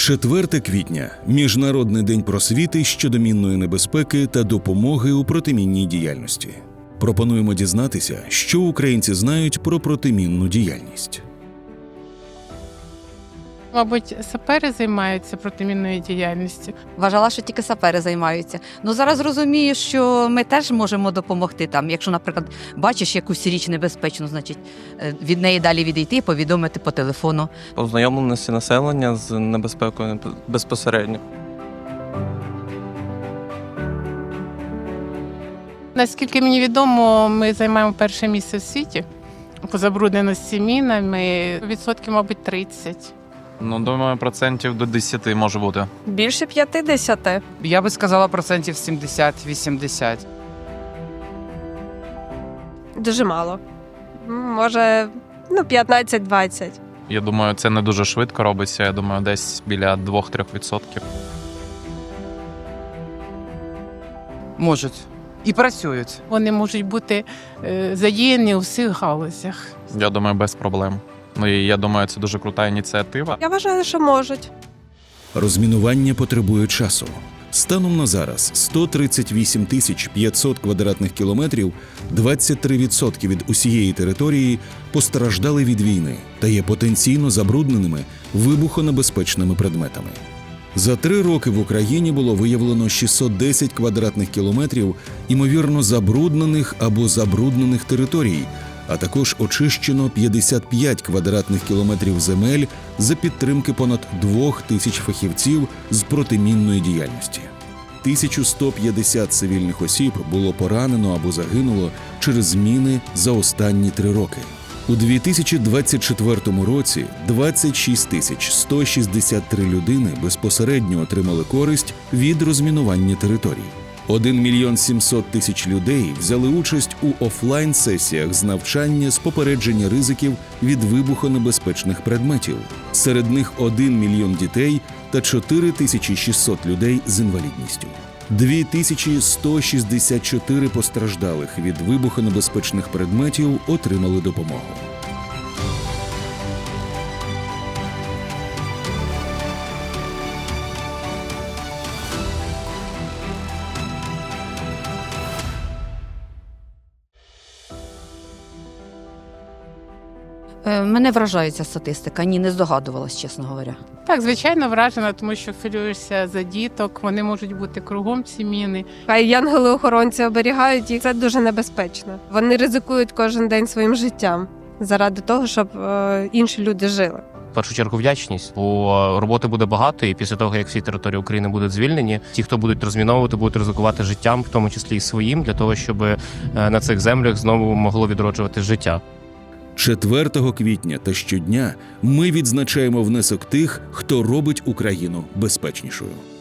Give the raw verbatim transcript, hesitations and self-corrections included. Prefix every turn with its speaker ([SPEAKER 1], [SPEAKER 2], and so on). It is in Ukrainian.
[SPEAKER 1] четверте квітня – Міжнародний день просвіти щодо мінної небезпеки та допомоги у протимінній діяльності. Пропонуємо дізнатися, що українці знають про протимінну діяльність.
[SPEAKER 2] Мабуть, сапери займаються протимінною діяльністю.
[SPEAKER 3] Вважала, що тільки сапери займаються. Ну, зараз розумію, що ми теж можемо допомогти. Там, якщо, наприклад, бачиш якусь річ небезпечну, значить, від неї далі відійти, повідомити по телефону.
[SPEAKER 4] Ознайомленості населення з небезпекою безпосередньо.
[SPEAKER 2] Наскільки мені відомо, ми займаємо перше місце в світі по забрудненості мінами, відсотків, мабуть, тридцять.
[SPEAKER 5] Ну, думаю, процентів до десяти може бути.
[SPEAKER 6] Більше п'ятдесят.
[SPEAKER 7] Я би сказала процентів сімдесят-вісімдесят.
[SPEAKER 6] Дуже мало. Може, ну, п'ятнадцять-двадцять.
[SPEAKER 5] Я думаю, це не дуже швидко робиться. Я думаю, десь біля двох-трьох відсотків.
[SPEAKER 7] Можуть. І працюють.
[SPEAKER 2] Вони можуть бути е, задіяні у всіх галузях.
[SPEAKER 5] Я думаю, без проблем. Ну і я думаю, це дуже крута ініціатива.
[SPEAKER 6] Я вважаю, що можуть.
[SPEAKER 1] Розмінування потребує часу. Станом на зараз сто тридцять вісім тисяч п'ятсот квадратних кілометрів, двадцять три відсотки від усієї території постраждали від війни та є потенційно забрудненими вибухонебезпечними предметами. За три роки в Україні було виявлено шістсот десять квадратних кілометрів імовірно забруднених або забруднених територій, а також очищено п'ятдесят п'ять квадратних кілометрів земель за підтримки понад двох тисяч фахівців з протимінної діяльності. тисяча сто п'ятдесят цивільних осіб було поранено або загинуло через міни за останні три роки. У дві тисячі двадцять четвертому році двадцять шість тисяч сто шістдесят три людини безпосередньо отримали користь від розмінування територій. один мільйон сімсот тисяч людей взяли участь у офлайн-сесіях з навчання з попередження ризиків від вибухонебезпечних предметів. Серед них один мільйон дітей та чотири тисячі шістсот людей з інвалідністю. дві тисячі сто шістдесят чотири постраждалих від вибухонебезпечних предметів отримали допомогу.
[SPEAKER 3] Мене вражає ця статистика. Ні, не здогадувалась, чесно говоря.
[SPEAKER 2] Так, звичайно, вражена, тому що хвилюєшся за діток, вони можуть бути кругом ці міни.
[SPEAKER 6] Хай янголи-охоронці оберігають їх. Це дуже небезпечно. Вони ризикують кожен день своїм життям заради того, щоб е, інші люди жили.
[SPEAKER 8] В першу чергу вдячність, бо роботи буде багато, і після того, як всі території України будуть звільнені, ті, хто будуть розміновувати, будуть ризикувати життям, в тому числі і своїм, для того, щоб на цих землях знову могло відроджувати життя.
[SPEAKER 1] четвертого квітня та щодня ми відзначаємо внесок тих, хто робить Україну безпечнішою.